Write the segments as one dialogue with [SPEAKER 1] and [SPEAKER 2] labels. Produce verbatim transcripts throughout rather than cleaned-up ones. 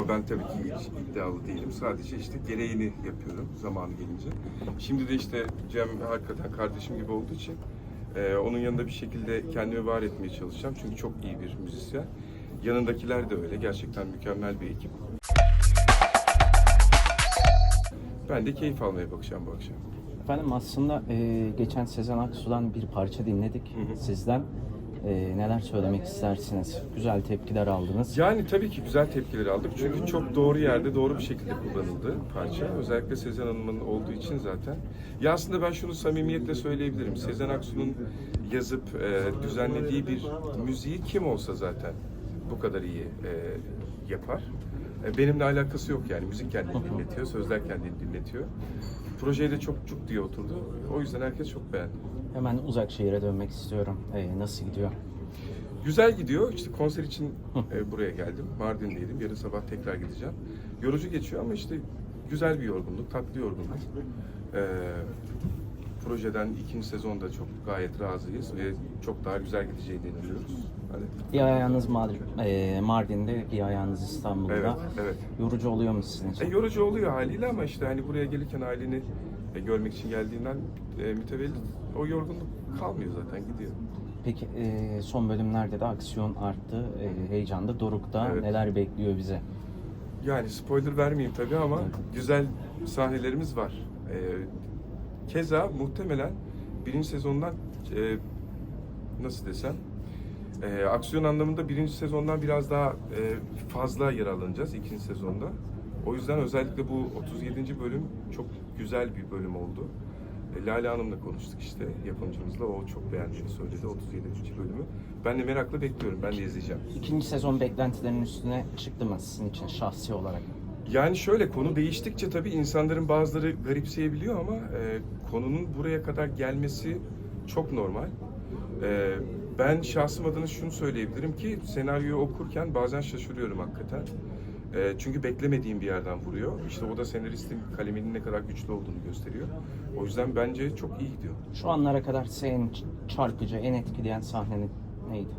[SPEAKER 1] Ama ben tabii ki hiç iddialı değilim. Sadece işte gereğini yapıyorum zamanı gelince. Şimdi de işte Cem hakikaten kardeşim gibi olduğu için e, onun yanında bir şekilde kendimi var etmeye çalışacağım. Çünkü çok iyi bir müzisyen. Yanındakiler de öyle. Gerçekten mükemmel bir ekip. Ben de keyif almaya bakacağım bu akşam.
[SPEAKER 2] Efendim aslında e, geçen Sezen Aksu'dan bir parça dinledik
[SPEAKER 1] Hı hı.
[SPEAKER 2] sizden. E, neler söylemek istersiniz? Güzel tepkiler aldınız.
[SPEAKER 1] Yani tabii ki güzel tepkiler aldık. Çünkü çok doğru yerde doğru bir şekilde kullanıldı parça. Özellikle Sezen Hanım'ın olduğu için zaten. Ya aslında ben şunu samimiyetle söyleyebilirim. Sezen Aksu'nun yazıp e, düzenlediği bir müziği kim olsa zaten bu kadar iyi e, yapar. E, benimle alakası yok yani. Müzik kendini dinletiyor, sözler kendini dinletiyor. Projeye de çok cuk diye oturdu. O yüzden herkes çok beğendi.
[SPEAKER 2] Hemen uzak şehire dönmek istiyorum. E, nasıl gidiyor?
[SPEAKER 1] Güzel gidiyor. İşte konser için e, buraya geldim. Mardin'deydim. Yarın sabah tekrar gideceğim. Yorucu geçiyor ama işte güzel bir yorgunluk, tatlı yorgunluk. E, projeden ikinci sezonda çok gayet razıyız ve çok daha güzel gideceğine inanıyoruz. Hadi.
[SPEAKER 2] Bir ayağınız Mardin, e, Mardin'de, bir ayağınız İstanbul'da.
[SPEAKER 1] Evet, evet.
[SPEAKER 2] Yorucu oluyor mu sizin
[SPEAKER 1] E,
[SPEAKER 2] için?
[SPEAKER 1] yorucu oluyor haliyle ama işte hani buraya gelirken aileni e, görmek için geldiğinden e, mütevellit o yorgunluk kalmıyor zaten, gidiyor.
[SPEAKER 2] Peki e, son bölümlerde de aksiyon arttı. E, heyecanda Doruk'ta
[SPEAKER 1] Evet.
[SPEAKER 2] neler bekliyor bize?
[SPEAKER 1] Yani spoiler vermeyeyim tabii ama güzel sahnelerimiz var. Ee, keza muhtemelen birinci sezondan e, nasıl desem e, aksiyon anlamında birinci sezondan biraz daha e, fazla yer alınacağız ikinci sezonda. O yüzden özellikle bu otuz yedinci bölüm çok güzel bir bölüm oldu. E, Lale Hanım'la konuştuk işte yapımcımızla. O çok beğendiğini söyledi otuz yedinci bölümü. Ben de merakla bekliyorum. Ben de izleyeceğim.
[SPEAKER 2] İkinci sezon beklentilerinin üstüne çıktı mı sizin için şahsi olarak?
[SPEAKER 1] Yani şöyle, konu değiştikçe tabii insanların bazıları garipseyebiliyor ama e, konunun buraya kadar gelmesi çok normal. E, ben şahsım adına şunu söyleyebilirim ki senaryoyu okurken bazen şaşırıyorum hakikaten. E, çünkü beklemediğim bir yerden vuruyor. İşte o da senaristin kaleminin ne kadar güçlü olduğunu gösteriyor. O yüzden bence çok iyi gidiyor.
[SPEAKER 2] Şu anlara kadar sizi en çarpıcı, en etkileyen sahne neydi?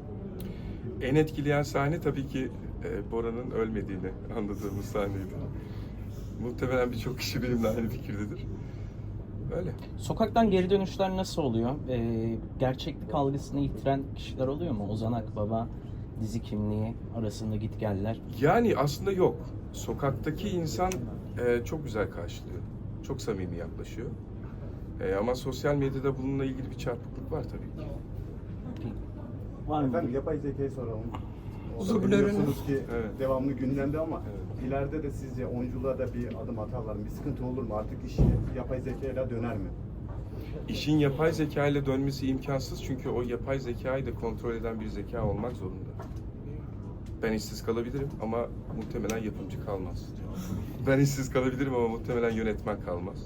[SPEAKER 1] En etkileyen sahne tabii ki e, Bora'nın ölmediğini anladığımız sahneydi. Muhtemelen birçok kişi benimle aynı fikirdedir. Öyle.
[SPEAKER 2] Sokaktan geri dönüşler nasıl oluyor? Ee, gerçeklik algısını yitiren kişiler oluyor mu? Ozan Akbaba, dizi kimliği arasında gitgeller.
[SPEAKER 1] Yani aslında yok. Sokaktaki insan e, çok güzel karşılıyor. Çok samimi yaklaşıyor. E, ama sosyal medyada bununla ilgili bir çarpıklık var tabii ki.
[SPEAKER 2] Var mı?
[SPEAKER 3] Efendim yapay zekayı soralım. O da
[SPEAKER 4] Dublörün-
[SPEAKER 3] biliyorsunuz ki
[SPEAKER 1] Evet.
[SPEAKER 3] devamlı gündemde ama
[SPEAKER 1] Evet.
[SPEAKER 3] ileride de sizce oyunculuğa da bir adım atarlar mı? Bir sıkıntı olur mu? Artık iş yapay zekayla döner mi?
[SPEAKER 1] İşin yapay zeka ile dönmesi imkansız çünkü o yapay zekayı da kontrol eden bir zeka olmak zorunda. Ben işsiz kalabilirim ama muhtemelen yapımcı kalmaz. Ben işsiz kalabilirim ama muhtemelen yönetmen kalmaz.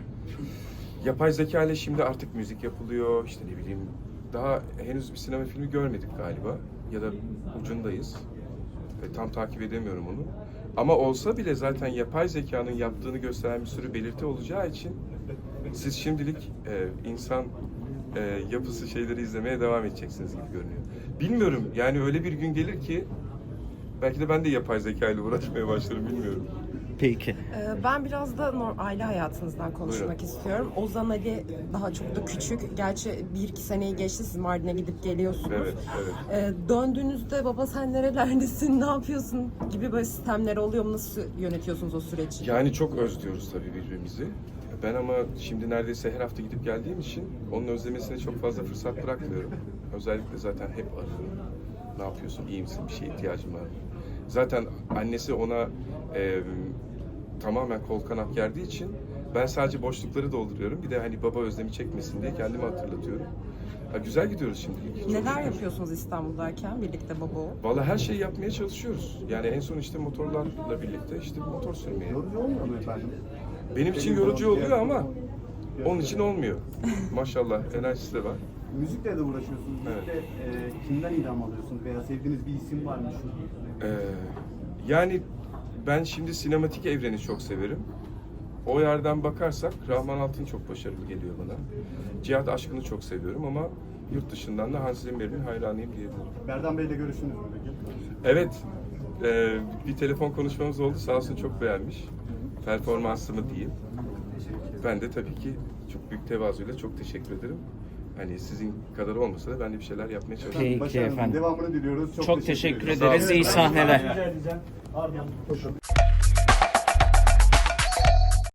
[SPEAKER 1] Yapay zeka ile şimdi artık müzik yapılıyor, işte ne bileyim, daha henüz bir sinema filmi görmedik galiba ya da ucundayız. E, tam takip edemiyorum onu. Ama olsa bile zaten yapay zekanın yaptığını gösteren bir sürü belirti olacağı için siz şimdilik e, insan e, yapısı şeyleri izlemeye devam edeceksiniz gibi görünüyor. Bilmiyorum, yani öyle bir gün gelir ki belki de ben de yapay zeka ile uğraşmaya başlarım, bilmiyorum.
[SPEAKER 2] Peki.
[SPEAKER 4] Ee, Ben biraz da nor- aile hayatınızdan konuşmak
[SPEAKER 1] Buyurun.
[SPEAKER 4] istiyorum. Ozan Ali daha çok da küçük. Gerçi bir iki seneyi geçti, siz Mardin'e gidip geliyorsunuz.
[SPEAKER 1] Evet, evet.
[SPEAKER 4] Ee, döndüğünüzde baba sen nerelerdesin, ne yapıyorsun gibi böyle sistemler oluyor mu? Nasıl yönetiyorsunuz o süreci?
[SPEAKER 1] Yani çok özlüyoruz tabii birbirimizi. Ben ama şimdi neredeyse her hafta gidip geldiğim için onun özlemesine çok fazla fırsat bırakmıyorum. Özellikle zaten hep arıyorum. Ne yapıyorsun, iyi misin, bir şeye ihtiyacım var mı? Zaten annesi ona e, tamamen kol kanat gerdiği için ben sadece boşlukları dolduruyorum. Bir de hani baba özlemi çekmesin diye kendime hatırlatıyorum. Ha, güzel gidiyoruz şimdilik. Çok
[SPEAKER 4] Neler
[SPEAKER 1] şükür.
[SPEAKER 4] yapıyorsunuz İstanbul'dayken birlikte baba oğul?
[SPEAKER 1] Vallahi her şeyi yapmaya çalışıyoruz. Yani en son işte motorlarla birlikte işte motor sürmeye.
[SPEAKER 3] Yorucu olmuyor mu efendim?
[SPEAKER 1] Benim için
[SPEAKER 3] Benim
[SPEAKER 1] yorucu
[SPEAKER 3] zaman
[SPEAKER 1] oluyor
[SPEAKER 3] diğer-
[SPEAKER 1] ama
[SPEAKER 3] diğer-
[SPEAKER 1] onun için olmuyor. Maşallah enerjisi de var.
[SPEAKER 3] Müzikle de uğraşıyorsunuz.
[SPEAKER 1] Evet.
[SPEAKER 3] Müzikle e, kimden ilham alıyorsunuz? Veya sevdiğiniz bir isim var mı? Şu?
[SPEAKER 1] Ee, yani ben şimdi sinematik evreni çok severim. O yerden bakarsak Rahman Altın çok başarılı geliyor bana. Cihat Aşkın'ı çok seviyorum ama yurt dışından da Hans Zimmer'in hayranıyım diyebilirim.
[SPEAKER 3] Berdan Bey'le görüştünüz mü peki?
[SPEAKER 1] Evet, Ee, bir telefon konuşmamız oldu. Sağ olsun çok beğenmiş. Performansımı diyeyim. Ben de tabii ki çok büyük tevazuyla çok teşekkür ederim. Hani sizin kadar olmasa da ben de bir şeyler yapmaya çalışıyorum.
[SPEAKER 2] Peki
[SPEAKER 3] Başarılı.
[SPEAKER 2] efendim.
[SPEAKER 3] Devamını diliyoruz. Çok,
[SPEAKER 2] Çok teşekkür
[SPEAKER 3] ediyoruz.
[SPEAKER 2] ederiz. İyi sahneler.
[SPEAKER 3] Rica edeceğim. Ardından-